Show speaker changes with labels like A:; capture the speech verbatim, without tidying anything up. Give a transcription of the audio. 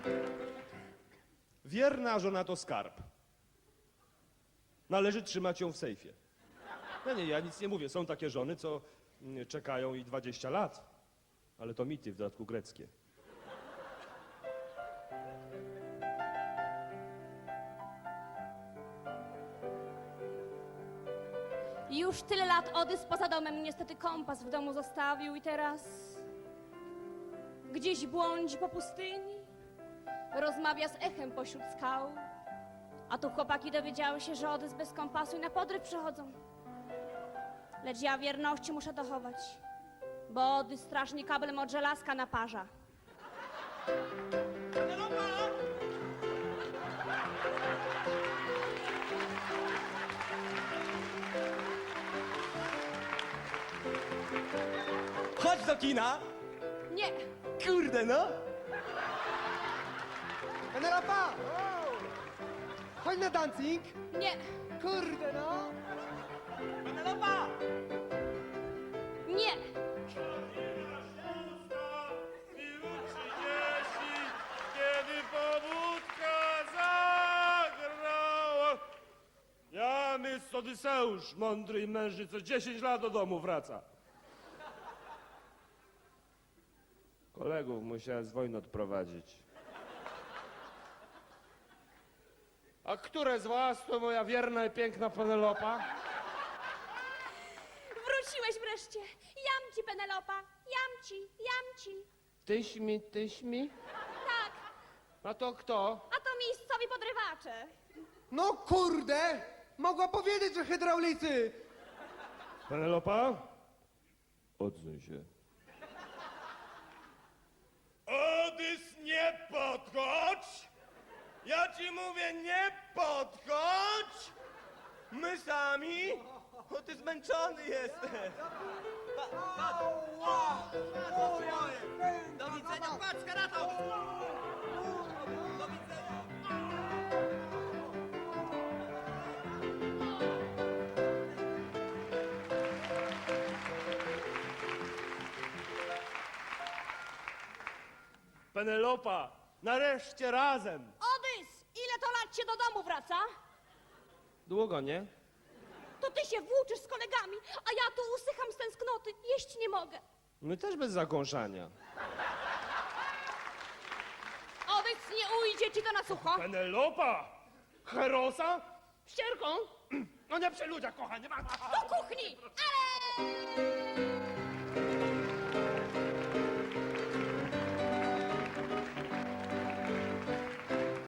A: Wierna żona to skarb. Należy trzymać ją w sejfie. No nie, ja nic nie mówię. Są takie żony, co mm, czekają i dwadzieścia lat. Ale to mity, w dodatku greckie.
B: Już tyle lat Odys poza domem, niestety kompas w domu zostawił i teraz gdzieś błądzi po pustyni, rozmawia z echem pośród skał. A tu chłopaki dowiedziały się, że Odys bez kompasu i na podryw przychodzą. Lecz ja wierności muszę dochować, bo Odys strasznie kablem od żelazka naparza.
C: Chodź do kina!
B: Nie,
C: Kurde, no!
D: Penelopa! Chodź na dancing!
B: nie,
D: Kurde no!
C: Penelopa!
B: nie,
A: Kiedy pobudka zagrała. Ja, mistrz Odyseusz, mądry i mężny, co dziesięć lat do domu wraca. Kolegów musiałem z wojny odprowadzić. A które z was to moja wierna i piękna Penelopa?
B: wróciłeś wreszcie. Jam ci, Penelopa, jam ci, jam ci.
A: Tyś mi, tyś mi?
B: Tak,
A: A to kto?
B: a to miejscowi podrywacze.
D: No kurde! Mogła powiedzieć, że hydraulicy!
A: Penelopa? Odsuń się.
E: Odys, nie podchodź! Ja ci mówię, nie podchodź! My sami? O, ty zmęczony jesteś.
C: Do widzenia, patrz, karatą! Do widzenia!
A: Penelopa, nareszcie razem.
B: Odys, ile to lat się do domu wraca?
A: Długo, nie?
B: To ty się włóczysz z kolegami, a ja tu usycham z tęsknoty, jeść nie mogę.
A: My też bez zakąszania.
B: Odys, nie ujdzie ci to na sucho.
A: Penelopa! Herosa? Ścierką? No nie przy ludziach, kochanie.
B: Do kuchni! Ale...